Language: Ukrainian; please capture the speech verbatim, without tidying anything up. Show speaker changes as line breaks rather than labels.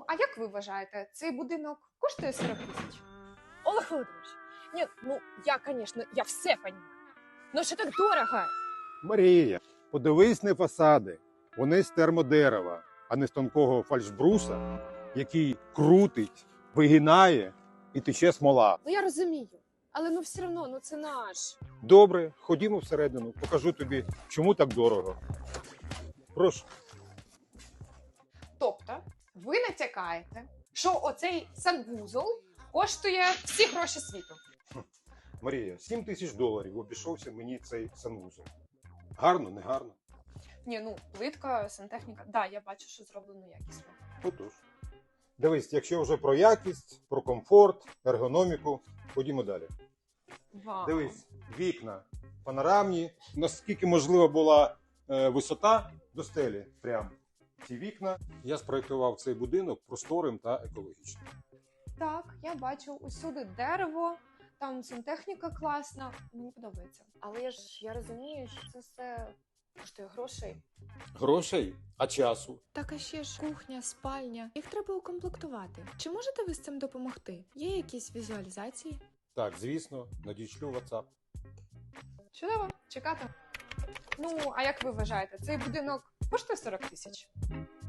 Ну, а як ви вважаєте, цей будинок коштує сорок тисяч?
Олег Володимирович, нет, ну я, конечно, я все понимаю. Но что так дорого?
Марія, подивись на фасади. Вони з термодерева, а не з тонкого фальшбруса, який крутить, вигинає і тече смола.
Ну я розумію, але ну все одно, ну це наш.
Добре, ходімо всередину, покажу тобі, чому так дорого. Прошу.
Тобто, ви натякаєте, що оцей санвузол коштує всі гроші світу.
Марія, сім тисяч доларів обійшовся мені цей санвузол. Гарно, не гарно?
Ні, ну, плитка, сантехніка. Да, я бачу, що зроблено якісно.
Отож. Дивись, якщо вже про якість, про комфорт, ергономіку, ходімо далі.
Вау.
Дивись, вікна панорамні, наскільки можлива була е, висота до стелі. Прям ці вікна. Я спроєктував цей будинок просторим та екологічним.
Так, я бачу усюди дерево, там сантехніка класна. Мені подобається.
Але ж я розумію, що це все коштує грошей.
Грошей, а часу.
Так, а ще ж кухня, спальня. Їх треба укомплектувати. Чи можете ви з цим допомогти? Є якісь візуалізації?
Так, звісно, надішлю в WhatsApp.
Чудово, чекати. Ну, а як ви вважаєте, цей будинок коштує сорок тисяч?